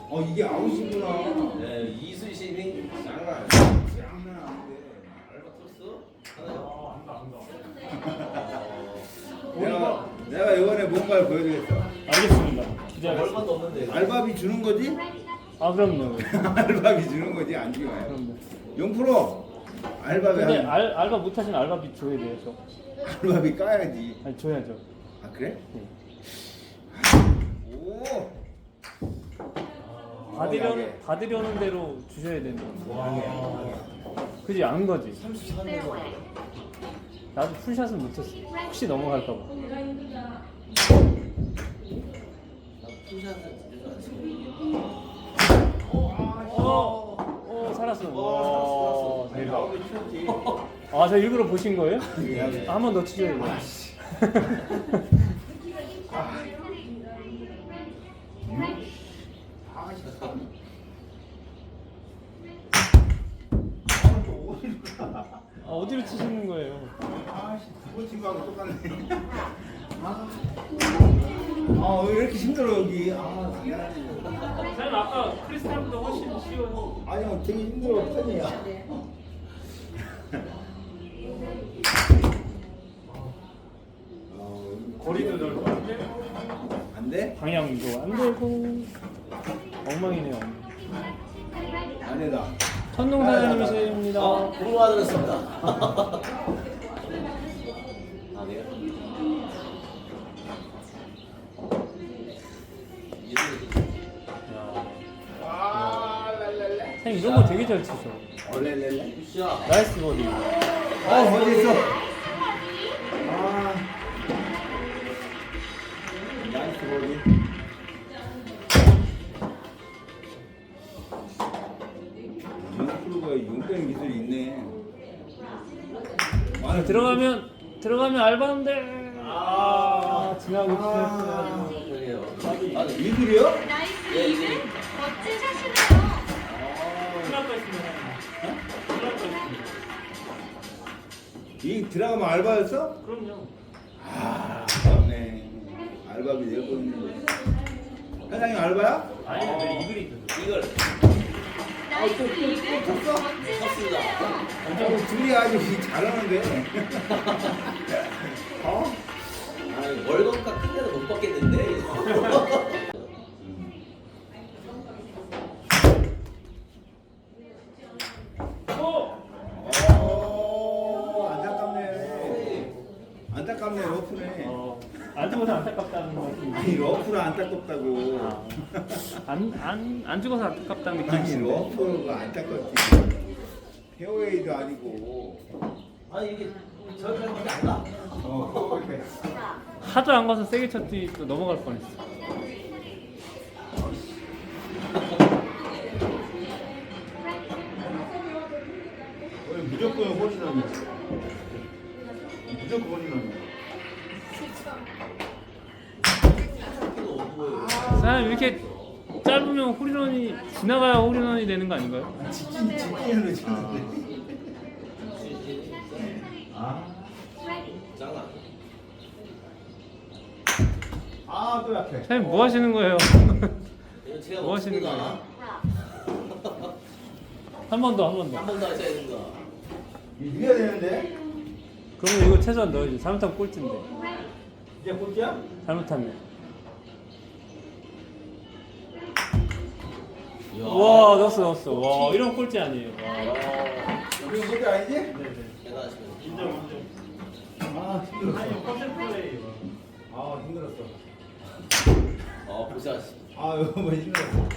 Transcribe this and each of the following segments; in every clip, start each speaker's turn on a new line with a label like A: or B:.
A: 이게 아웃이구나.
B: 네, 이수신이 장난 아니야.
A: 장난 아닌데.
B: 알바트로스?
A: 내가 이번에 뭔가를 보여주겠어.
C: 알겠습니다.
B: 하나요?
C: 기대하겠습니다.
B: 얼마도 없는데.
A: 알바비 주는 거지?
C: 아 그럼요.
A: 알바비 주는 거지 안 주나요?
C: 그럼요.
A: 0% 알바비
C: 근데
A: 한
C: 알바 못하시는 알바비 줘야 돼요, 저.
A: 알바비 까야지.
C: 아니 줘야죠.
A: 아 그래?
C: 네.
A: 오.
C: 받으려는 대로 주셔야 되는 거. 그지 안 거지.
B: 33년.
C: 나도 풀샷은 못했어. 혹시 넘어갈까 봐.
B: 풀샷은 진짜 안
C: 살았어. 와, 대박.
A: 나오기 쳤지.
C: 아, 저 일부러 보신 거예요? 한 번 더 치셔야 돼요. 어디로 치시는 거예요?
A: 아씨 두번 친 거하고 똑같네. 왜 이렇게 힘들어 여기? 미안해.
C: 저는 아까 크리스탈보다 훨씬 쉬워요.
A: 아니요 되게 힘들어 편이야.
C: 거리도 넓고
A: 안 돼?
C: 방향도 안 되고 엉망이네요.
A: 아니다.
C: 천동 사장님이십니다.
B: 고구마 들었습니다. 아, 네요?
C: 선생님 이런 거 되게 잘 치셔.
A: 얼렐렐레.
B: 굿샷.
C: 나이스 버디.
A: 어디 있어? 나이스 버디. 윤프로가 용병 기술이 있네.
C: 들어가면 알바인데. 지나고 싶었어요.
B: 그러게요.
A: 이글이요?
D: 나이스
B: 예,
D: 이글
B: 이글.
D: 멋진 샷이네요.
C: 끝날 거 있습니다. 끝날 거 있습니다.
A: 이 드라마 알바였어?
C: 그럼요.
A: 맞네. 알바비 내고 있는데. 사장님 알바야?
C: 아니 근데 이글이
B: 이걸
D: 나이스 이글
A: 쳤어?
D: 멋진
B: 쳤습니다.
D: 샷이네요.
A: 둘이 아주 잘하는데.
B: 아니, 월급값 큰 데는 못 받겠는데.
A: 안타깝네. 안타깝네 러프네.
C: 안 죽어서 안타깝다는 말씀.
A: 아니 러프는 안타깝다고.
C: 안 죽어서 안타깝다는
A: 아니
C: 느낌이신데.
A: 러프가 안타깝지. 페어웨이도 아니고.
B: 아니, 이게 저기까지 안 가.
A: 그래.
C: 하도 안 가서 세게 쳤지 또 넘어갈 뻔했어.
A: 오늘 무조건 홀이나네. 무조건 홀이나네.
B: 이거 어두워요.
C: 사장님 이렇게 짧으면 홀인원이 지나가야 홀인원이 되는 거 아닌가요?
A: 직진으로 치는데.
B: 장난.
A: 또 약해.
C: 사장님 뭐 하시는 거예요?
B: 이거 제가
C: 뭐 하시는
B: 먹습니다.
C: 거예요? 한 번 더.
B: 한 번 더 하셔야 됩니다.
A: 이겨야 되는데.
C: 그러면 이거 최소한 넣어야지. 잘못하면 꼴찌인데.
A: 이제 꼴찌야?
C: 잘못하면.
B: 이야.
C: 와 넣었어. 와 이런 꼴찌 아니에요. 와.
A: 우리 꼴찌 아니지?
B: 대단하십니다.
C: 인정.
A: 힘들었어.
C: 컨셉 플레이.
A: 힘들었어.
B: 고생하셨습니다.
A: 이거 뭐 힘들었어.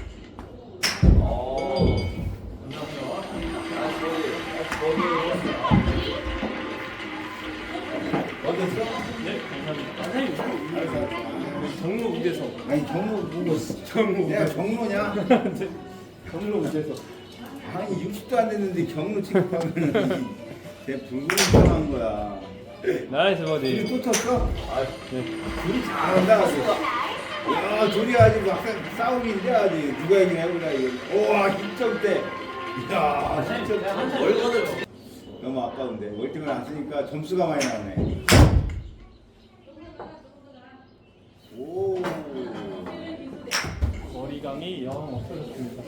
A: 어땠어?
C: 네, 감사합니다. 선생님,
A: 알았어.
C: 경로 우대서.
A: 아니 경로 보고
C: 경로
A: 내가
C: 우대서.
A: 경로냐? 경로 우대서. 아니 60도 안 됐는데 경로 취급하면 내 불공평한 거야.
C: 나이스
A: 둘이
C: 버디.
A: 또 쳤어?
C: 네.
A: 둘이 잘한다 아주. 야 둘이 아주 막 싸움인데 아주 누가 이기나 해보자 이거. 우와 힘점 때. 이야 힘점 때.
B: 월급을
A: 너무 아까운데 월등을 안 쓰니까 점수가 많이 나오네. 오.
C: 거리 거리감이 영 없어졌습니다.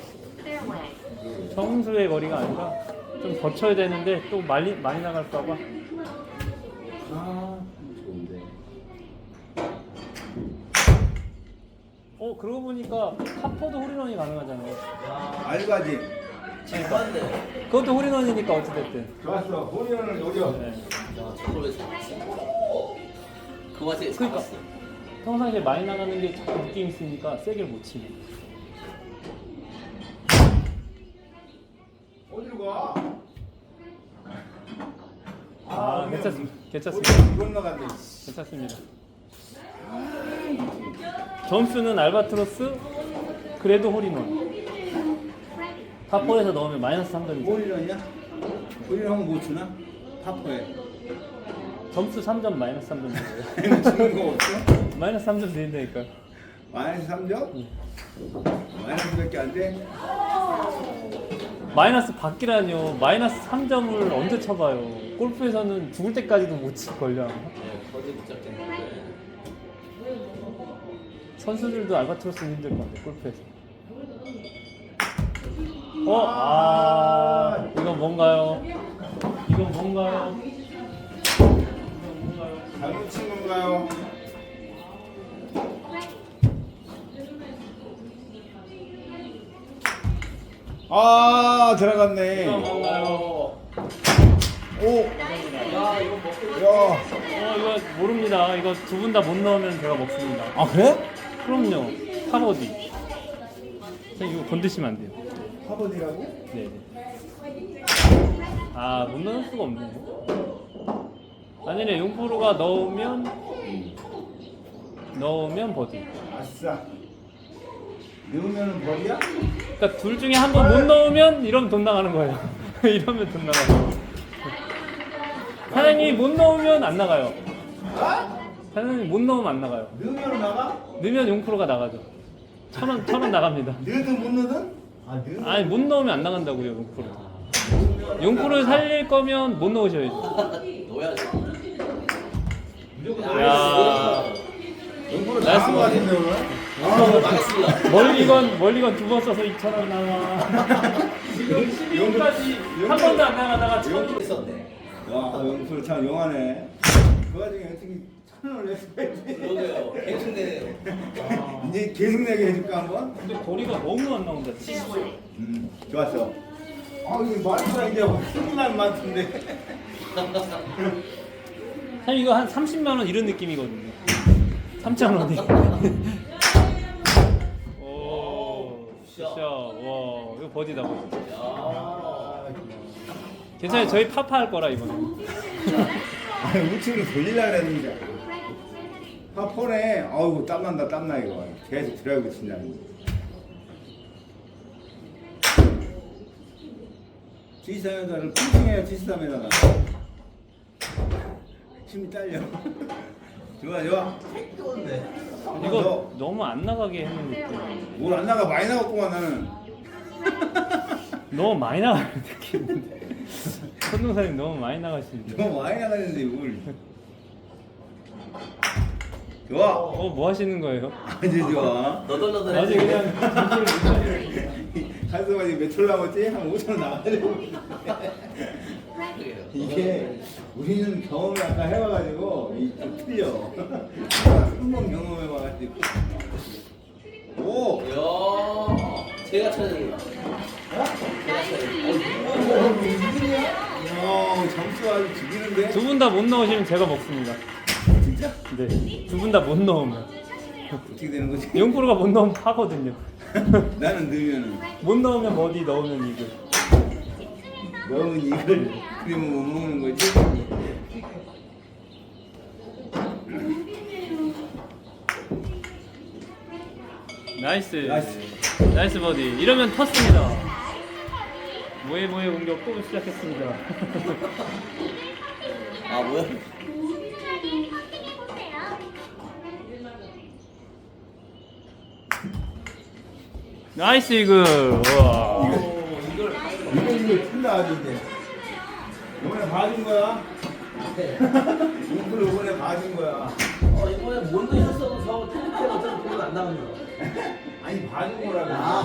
C: 정수의 거리가 아니라 좀 거쳐야 되는데 또 많이 나갈까봐.
A: 아, 좋은데.
C: 그러고 보니까 탑포도 홀인원이 가능하잖아요.
A: 알바지.
B: 진짜인데.
C: 그것도 홀인원이니까 어찌됐든.
A: 좋았어. 홀리언을 노려.
C: 네.
B: 야, 저걸 왜 잡았어? 그 맛에
C: 그러니까.
B: 잡았어.
C: 평상시에 많이 나가는 게 자꾸 느낌 있으니까 세게 못 치네.
A: 어디로 가?
C: 괜찮습니다.
A: 이건 나간대.
C: 괜찮습니다. 점수는 알바트로스, 그래도 홀인원. 탑4에서 넣으면 마이너스 3점이죠.
A: 홀리언이야? 홀리언은 못 주나? 파포에.
C: 점수 3점 마이너스 3점 드려요.
A: 주는 거 없어?
C: 마이너스 3점 드린다니까요.
A: 마이너스 3점? 마이너스 몇개 안 돼?
C: 마이너스 받기라뇨. 마이너스 3점을 언제 쳐봐요. 골프에서는 죽을 때까지도 못 칠걸요.
B: 네, 거지 못 잡겠는데.
C: 선수들도 알바트로스는 힘들 건데 골프에서. 이건 뭔가요? 이건 뭔가요?
A: 잘못 친 건가요? 아, 들어갔네.
C: 이건 뭔가요?
A: 오,
B: 야, 이거 먹고
A: 야.
C: 이거 모릅니다. 이거 두 분 다 못 넣으면 제가 먹습니다.
A: 아, 그래?
C: 그럼요. 탑어디. 선생님 이거 건드시면 안 돼요.
A: 파버디라고?
C: 네. 못 넣을 수가 없네요. 아니네, 용프로가 넣으면 버디.
A: 아싸. 넣으면은 벌이야?
C: 그러니까 둘 중에 한 번 못 넣으면 이러면 돈 나가는 거예요. 이러면 돈 나가요. 사장님이 못 넣으면 안 나가요.
A: 아?
C: 사장님이 못 넣으면 안 나가요.
A: 넣으면 나가?
C: 넣으면 용프로가 나가죠. 1,000원 나갑니다.
A: 넣든 못 넣든? 아, 넣으면.
C: 아니 못 넣으면 안 나간다고요, 용프로. 용프를 살릴 거면 못 넣으셔야죠.
B: 넣어야지.
C: 야.
A: 용구로
C: 나이스
A: 나간 거
C: 버디.
A: 같은데, 오늘?
B: 아, 망했습니다.
C: 멀리건 두 번 써서 2,000원 나와. 12까지 한 번도 안 나가다가 1,000원.
B: 있었네.
A: 와, 용구로 참 용하네. 그 와중에 어떻게 1,000원을 냈어야지.
B: 그러게요. 대충 내네요.
A: 이제 계속 내게 해줄까, 한번?
C: 근데 거리가 너무 안 나온다.
A: 좋았어. 이거 말보다 이제 흥날 많던데.
C: 사실 이거 한 30만 원 이런 느낌이거든요. 3,000원이. 오, 샷. 와, 이거 버디다 버디.
B: 야.
C: 괜찮아요. 저희 파파 할 거라 이번에.
A: 아니, 우측으로 돌리려고 그랬는데. 파포네. 아이고, 땀난다, 땀나, 이거. 계속 드라이브 친다는 거. G3에다를 핑핑해요, G3에다가. 힘이 딸려. 좋아.
C: 이거 너무 안 나가게 했는 느낌.
A: 뭘 안 나가, 많이 나갔구만, 나는.
C: 너무 많이 나가는 느낌인데. 선동사님 너무 많이 나가시는데.
A: 너무 많이 나가는데, 뭘. 좋아.
C: 뭐 하시는 거예요?
A: 아주 좋아.
B: 너덜너덜
C: 아직
B: 해지네.
C: 그냥 정신을 못 차리고.
A: 한수가 지금 몇톨 남았지? 한 5천 나가려고.
B: 그래요.
A: 이게 우리는 경험을 아까 해봐가지고 좀 틀려. 3번 경험해봐가지고. 오!
B: 야. 제가 쳐야 되겠다.
A: 점수 아주 죽이는데?
C: 두 분 다 못 넣으시면 제가 먹습니다.
A: 진짜?
C: 네. 두 분 다 못 넣으면.
A: 어떻게 되는 거지?
C: 용프로가 못 넣으면 파거든요.
A: 나는 넣으면은
C: 못 넣으면 버디, 넣으면 이글.
A: 넣으면 이걸 그러면 못 먹는 거지?
C: 나이스.
A: 나이스.
C: 나이스 버디. 이러면 텄습니다. 모에 공격 또 시작했습니다.
B: 아, 뭐야?
D: 꾸준하게 퍼팅해보세요.
C: 나이스 이글. 우와.
A: 이거 틀려 아주 이제. 이번에 봐준 거야? 이걸 이번에 봐준 거야.
B: 이번에 뭔도 있었어도 저 틀릴 때가 어차피 보면 안 나오는 거.
A: 아니 봐주고 오라고.
B: 아.